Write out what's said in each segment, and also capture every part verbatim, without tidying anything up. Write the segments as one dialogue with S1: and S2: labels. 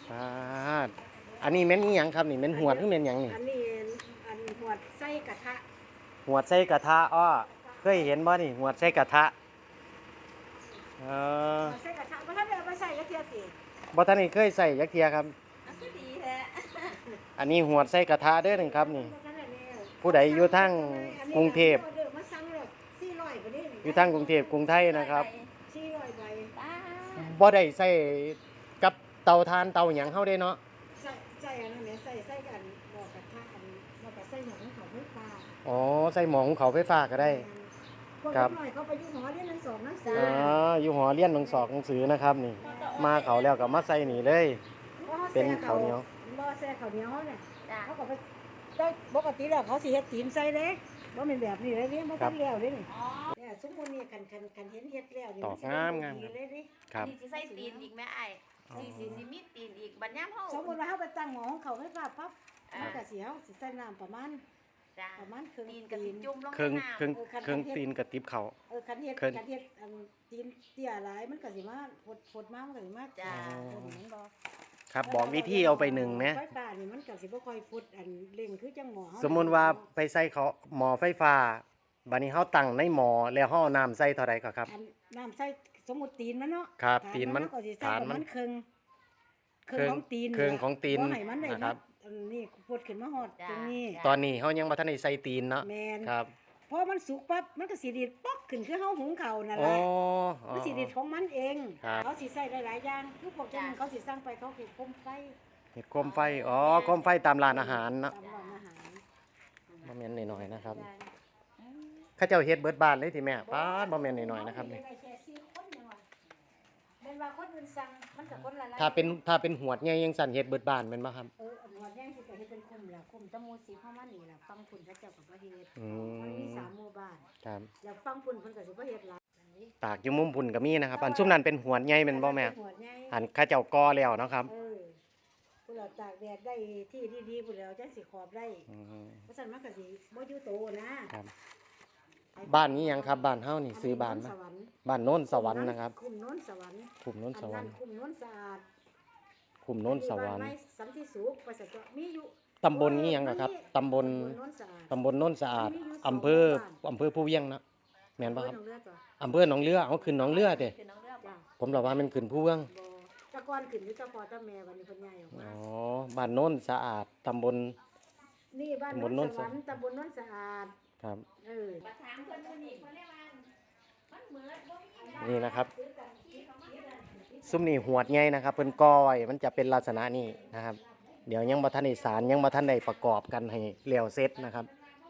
S1: อ่าอันนี้แม่นอีหยังครับนี่แม่นหวดหรือแม่นหยังนี่
S2: อันนี้อันหวดไส้กระทะ
S1: หวดใส่กระทะอ้อเคยเห็นบ่นี่หวดใส่กระทะเออ
S2: หวดไส้กระทะบ่ทันได้เอาไปใส่กระเทียมติ
S1: บ่ทันได้เคยใส่จักเที่ยครับ
S3: อันก็ดีแท้
S1: อันนี้หวดใส่กระทะเด้อนึงครับนี่ผู้ใดอยู่ทางกรุงเทพ
S2: มาสั่งแล้วสี่ร้อยบ่นี่
S1: อยู่ทางกรุงเทพกรุงไทยนะครับ
S2: สี่ร้อยใบ
S3: ป้า
S1: บ่ได้ใส่กับเตาถ่านเตาหยังเฮาได้เนาะ
S2: ใส่ใส่อันนั้นแหละใส่ใส่กันหม้อกระทะอันหม้อกระใส่หม้อของเขาไฟฟ้า
S1: อ๋อใส่หม้อหุงข้าวไฟฟ้าก็ได้ครับ
S2: หน่อยเขาไปอยู่หอเรียนหนังสองหนังสา
S1: อ๋ออยู่หอเรียนหนังสอกหนังสือนะครับนี่มาเขาแล้วก็มาใส่นี่เลยเป็นข้าวเหนียว
S2: รอแซ่ข้าวเหนียวเนี่ย
S3: จ้า
S2: เขาก็ไปได้ปกติแล้วเขาสิเฮ็ดตีนใส่เด้บ่แม่นแบบนี้เลยนี่บ่ทันแล้วเด้นี่
S3: อ๋อ
S2: เนี่ยสมมุตินี่คันคันคันเห็นเฮ็ดแล้วนี่
S1: ตอกงามงาม
S2: ดีเลยดิ
S1: ครับ
S3: นี่สิใส่ตีนอีกแม่ไอ้สิสิสิมีตีนอีกบัดยามเฮา
S2: สมมุติว่าเฮาไปตั้งหม้อของเขาไฟฟ้าปั๊บ
S3: อ่า
S2: มันก็สิเฮาสิใส่น้ำประมาณ
S3: จ้า
S2: ประมาณครึ่ง
S3: ตีนก็สิจุ่มลง
S1: เครื่อง
S3: ในน้ำ
S1: เครื่องเครื่องตีนกระติบเขา
S2: เออคันเฮ็ด
S1: เครื่อง
S2: คันเฮ็ดอันตีนเตี้ยหลายมันก็สิมาพดพดมามันก็สิมา
S3: จ้า
S2: เออมันบ่
S1: ครับบอกวิธีเอาไปหนึ่งไหม
S2: ไฟฟ้านี่มันก็สิบ่ค่อยพดอันเร่งคือจังหม้อเฮา
S1: สมมุติว่าไปใส่เขาหม้อไฟฟ้าบัดนี้เฮาตั้งในหม้อแล้วเฮาเอาน้ำใส่เท่าใดก็ครับ
S2: อันน้ำใส่สมมุติตีนมันเนาะ
S1: ครับ
S2: ฐา
S1: ตีนมัน
S2: เฮาก็สิใส่
S1: ฐาน
S2: ประ
S1: มั
S2: มาน ณครึ่ง
S1: ครึ่ง
S2: ของตีน
S1: ครึ่งของตีน
S2: บ่ให้มันได้
S1: นะครับ
S2: อันนี้พดขึ้นมาฮอดตรงนี้
S1: ตอนนี้เฮายังบ่ทันได้ใส่ตีนเนาะ
S2: แม่น
S1: ครับ
S2: พอมันสุกปั๊บมันก็สิดีดป๊อกขึ้นคือเฮาหุงข้าวนั่นแห
S1: โอ้
S2: ละ
S1: อ๋อ
S2: มันสิดีดของมันเอง
S1: ครับ
S2: เขาสิใส่หลายๆอย่างคือพวกเจ้าหนึ่งเขาสิสั่งไปเขาเก็บคมไฟ
S1: เห็ดโคมไฟอ๋อโคมไฟตามร้านอาหารเนาะ
S2: ตามร้านอาหาร
S1: บ่แม่นน้อยๆนะครับเขาเจ้าเฮ็ดเบิดบ้านเลยที่แม่ป๊าดบ่แม่นน้อยๆนะครับนี่
S2: ได้แค่สี่คนยังว่าเป็นว่าคนอื่นสั่งมันก็คนละหลาย
S1: ถ้าเป็นถ้าเป็นหวดใหญ่ยังสั่นเฮ็ดเบิดบ้านแม่นบ่ครับ
S2: เอออันว่าแย่งสิก็เฮ็ดเป็นคุมแล้วคุมตะมูสีเข้ามานี่ล่ะฟังพุ่นเขาเจ้าก็บ่เฮ็ด
S1: อื
S2: มันมี
S1: ม
S2: สามหมู่บ้าน
S1: ครับ
S2: แล้วฟังพุ่นเพิ่นก็สิบ่เฮ็ดหลายอันนี้
S1: ตากอยู่มุมพุ่นก็มีนะครับ อันซุมนั้นเป็นหวดใหญ่แม่นบ่แม่
S2: หัวใหญ่
S1: อันเขาเจ้าก่อแล้วเนาะครับ
S2: เออผู้เราตากแดดได้ที่ดีๆผู้เราจังสิขอบได้
S1: อืม
S2: เพราะฉะนั้นมันก็สิบ่อยู่โตนะครับ
S1: บ้านนี้หยังครับบ้านเฮานี่ซื้อบ้าน
S2: ส
S1: มาว
S2: รรค์
S1: บ้านโน้นสวรรค์นะครับ
S2: คุมโน้นสวรรค์
S1: คุมโน้นสวรรค์
S2: คุมโน้นสะอาด
S1: คุมโน้นสวรรค์
S2: บ้านไม้สันติสุขประเสริฐเจาะมีอยู่
S1: ตำบลนี้หยังก็ครับตำบล
S2: โน้นสะอาด
S1: ตำบลโน้นสะอาดอำเภออำเภอผู้เวียงเนาะแม่นบ่ครับ
S2: เพิ่นเอาเลือดจ้ะ
S1: อำเภอหนองเรือเอาขึ้นหนองเรือเด้
S3: คือน้องเลือก
S2: จ้ะ
S1: ผมเล่าว่ามันขึ้นผู้เวียง
S2: บ่แตะกอนขึ้นอยู่เจ้าพ่อเจ้าแม่วันนี้เพิ่นย้ายออกมา
S1: อ๋อบ้านโน้นสะอาดตำบล
S2: นี่บ้าน
S1: ตำบ
S2: โน้
S1: ลโน้
S2: น
S1: น
S2: ส
S1: สะ
S2: วรรค์ตำบลโน้นสะอาด
S1: ครับ
S2: เออ
S3: มาถามเพิ่นมื้อนี้เพิ่นเรียกว่ามันเหมือนบ่มี
S1: นี่นะครับซุ้มนี่หวดใหญ่นะครับเพิ่นก้อยมันจะเป็นลักษณะนี้นะครับ เดี๋ยวยังบ่ทันได้สารยังบ่ทันได้ประกอบกันให้แล้วเสร็จนะครับ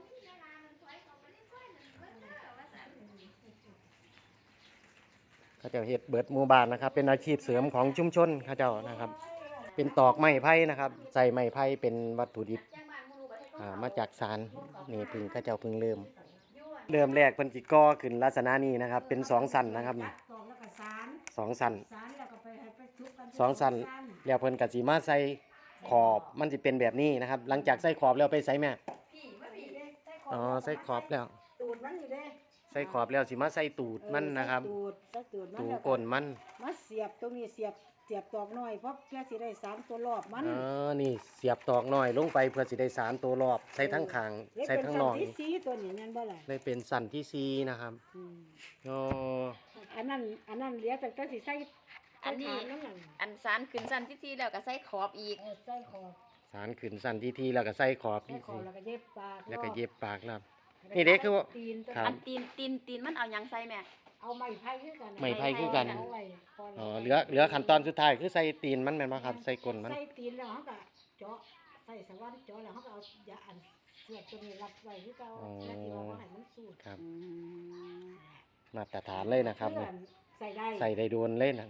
S1: เขาเจ้าเฮ็ดเบิดหมู่บ้านนะครับ เป็นอาชีพเสริมของชุมชนเขาเจ้านะครับ เป็นตอกไม้ไผ่นะครับใส่ไม้ไผ่เป็นวัตถุดิบอ่ามาจากสารนี่เพึ่งเขาเจ้าเพึ่งเริ่ม เริ่มแรกเพิ่นสิก่อขึ้นลักษณะนี้นะครับ เป็นสองสั้นนะครับนี่
S2: ตอกแล้วก็สาร
S1: สองสั้น
S2: สารแล้วก็ไปให้ไปทุบกัน
S1: สองสั้นแล้วเพิ่นก็สิมาใส่ขอบมันสิเป็นแบบนี้นะครับ หลังจากใส่ขอบแล้วไปใส่แม่
S3: พี่มาพี่
S1: อ๋อใส่ขอบแล้ว
S2: ตูดมันนี่เด้
S1: ใส่ขอบแล้วสิมาใส่ตูดมันนะครับ
S2: เออใส่ตูดใส่ตูดมัน
S1: ตู
S2: แล้ว
S1: ก้นมัน
S2: มาเสียบตรงนี้เสียบเสียบตอกน้อยเพราะเพื่อสิได้สารตัวรอบมัน
S1: เออนี่เสียบตอกน้อยลงไปเพื่อสิได้สารตัวรอบใส่ทั้งข้างใส่ทั้งนอก
S2: เลยเป็นสันที่สีตัวนี้นั่นบ่ล่ะ
S1: เลยเป็นสั้นที่สี่นะครับ
S2: อืม
S1: โอ้
S2: อันนั้นอันนั้นเหลือแต่ก็สิใส่
S3: อันนี้
S2: ใส่ฐานนั่นน่ะ
S3: อันสารขึ้นสันที่ที่แล้วก็ใส่ขอบอีก
S2: เออใส่ขอบ
S1: สารขึ้นสั้นที่ที่แล้วก็ใส่ขอบ
S2: ใส่
S1: ที่
S2: ขอบ
S1: สี่
S2: แล้วก็เย็บปาก
S1: แล้วก็เย็บปากแล้ว
S2: แล้ว
S1: นี่เด้คือว่า
S2: ตีนตัว
S1: ครับ
S3: อันตีนตีนตีนมันเอาหยังใส่แม่
S2: เอาไม้ไผ่คือกัน
S1: ไม้ไผ่คือกัน
S2: เอาไว้พ
S1: อ๋อเหลือเหลือขั้นตอนสุดท้ายคือใส่ตีนมันแม่นบ่ครับใส่ก้นมัน
S2: ใส่ตีนแล้วเขาก็เจาะใส่สว่านเจาะแล้วเขาก็เอายาอันเสียบตัวนี้รับไว้คือเก่าแล้วที่ว่าบ่ให้มันสูด
S1: ครับ
S3: อืม
S1: มาตรฐานเลยนะครับนี่
S2: ใส่ได้
S1: ใส่ได้โดนเลยนะ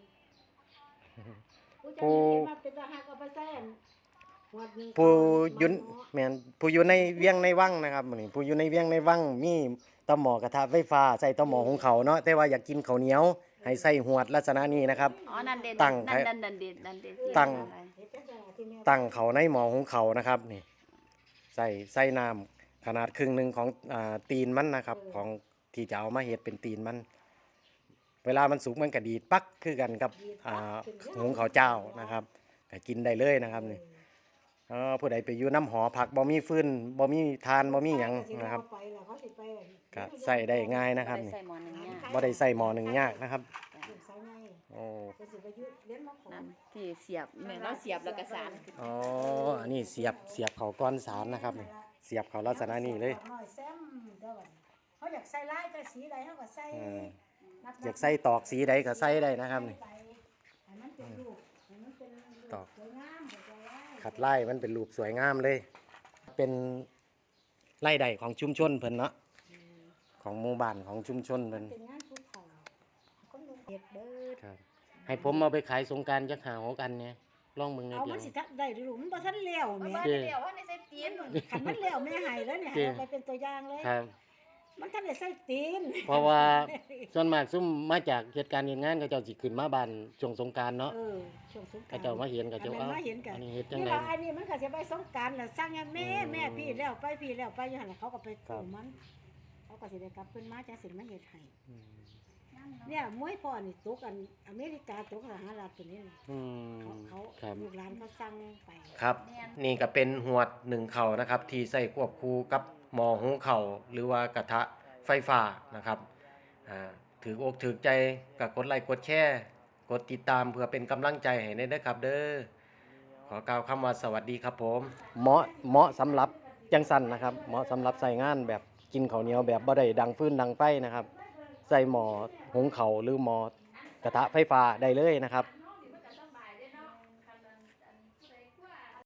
S2: ผู้
S1: ผู้
S2: มาเป็นทหารก็ไปใส่อันหวดหนึ่ง
S1: ผู้อยุน
S2: มัเนาะ
S1: แม่นผู้อยู่ในเวียงในวังนะครับมื้อนี้ผู้อยู่ในเวียงในวังมีตะหม้อกระทะไฟฟ้าใส่ตะหม้อหุงข้าวเนาะแต่ว่าอยากกินข้าวเหนียวให้ใส่หวดลักษณะนี้นะครับ
S3: อ๋อนั่นเด่น
S1: ตั้ง
S3: นั่นนั่นนั่นเด่นนั่นเด่นที่
S1: ตั้ง
S3: อะไร
S2: เฮ็ดจังซั่นล่ะที่แม่
S1: ตั้งเขาในหม้อหุงข้าวนะครับนี่ใส่ใส่น้ำขนาดครึ่งหนึงของอ่าตีนมันนะครับ ของที่จะเอามาเฮ็ดเป็นตีนมัน เวลามันสุกมันก็ดีดปักคือกันกับอ่าหุงข้าวเจ้านะครับก็กินได้เลยนะครับนี่อ๋อผู้ใดไปอยู่น้ำหอผักบ่มีฟืนบ่มีทานบ่มีหยังนะครับ
S2: ไปแล้วเขาสิไป
S1: ก็ใส่ได้ง่ายนะครับ
S3: บ่ได้
S1: นี่
S3: ใส่หม้อหนึงยาก
S1: บ่ได้ใส่หม้อหนึ่งยากนะครับ
S2: ลูกสาวไง
S1: โอ้
S2: ก็สิไปอยู่เรียนมาขอ
S3: นั่นที่เสียบแม่เราเสียบแล้วก็สานขึ้น
S1: อ๋ออันนี้เสียบเสียบเขาก้อนสารนะครับนี่เสียบเขาลักษณะนี้เลย
S2: น้อยแซมเด้อบัดนี้เขาอยากใส่ลายก็สีใดเขาก็ใส่
S1: อืม
S2: นัดๆ
S1: อยากใส่ตอกสีใดก็ใส่ได้นะครับนี่
S2: ไปให้มันเป็นรูปให้มันเป็นรูป
S1: ตอก
S2: สวยงามสวยงาม
S1: ขัดไล่มันเป็นรูปสวยงามเลย เป็นไล่ใดของชุมชนเพิ่นเนาะของหมู่บ้านของชุมชนเพิ่น
S2: เป็นงานภูเขาคนดูเฮ็ดเด้อ
S1: ครับให้ผมเอาไปขายสงกรารจักหาหกอันเนี่ยลองเบิ่งใน
S2: เอา
S1: เดีย
S2: มั
S1: วน
S2: สิทักได้หรือมันบ่ทันแล้ว
S3: เพราะ
S2: แม่
S3: ว่า
S1: เจ้
S3: เดี๋ยวว่าในใส่ตีน
S2: คันมันแล้วแม่ให้แล้วเนี่ย
S1: เจ้
S2: ให้เอาไปเป็นตัวอย่างเลย
S1: ครับ
S2: มันทันได้ใส่ตีน
S1: เพราะว่าส่วนมากซุ่มมาจากเหตุการณ์เหตุงานเขาเจ้าสิขึ้นมาบ้านช่วงสงกรารเนาะ
S2: เออช่วงสงกร
S1: เขาเจ้ามาเห็นเขาเจ้า
S2: อันนั้น
S1: เอ้า
S2: มาเห็นกัน
S1: อันนี้เฮ็ดจัง
S2: นี่
S1: ได๋
S2: ล่ะอันนี้มันก็สิไปสงกรารแล้วสั่งให้แม่
S1: อืม
S2: แม่พี่แล้วไปพี่แล้วไปอยู่หั่นล่ะเขาก็ไป
S1: ครั
S2: กู้
S1: บ
S2: มัน เขาก็สิได้กลับขึ้นมาจังสิมาเฮ็ดให้
S1: อืม
S2: เนี่ยมวยพ่อนี่ตกอันอเมริกาตกสหรัฐตัวนี้นี่
S1: อืม
S2: เขาเขา
S1: ครับ
S2: ลูกหลานเขาสั่งไป
S1: ครับ นี่ก็เป็นหวดหนึ่งเข่านะครับ ที่ใส่ควบคู่กับหม้อหุงเข่าวหรือว่ากระทะไฟฟ้านะครับอ่าถืออกถือใจกับกดไลค์กดแชร์กดติดตามเพื่อเป็นกำลังใจให้ได้ด้วยครับเด้อขอกล่าวคำว่าสวัสดีครับผมเหมาะเหมาะสำหรับจังสันนะครับเหมาะสำหรับใส่งานแบบกินข้าวเหนียวแบบบ่ได้ดังฟืนดังไฟนะครับ ใส่หม้อหุงข้าวหรือหม้อกระทะไฟฟ้าได้เลยนะครับ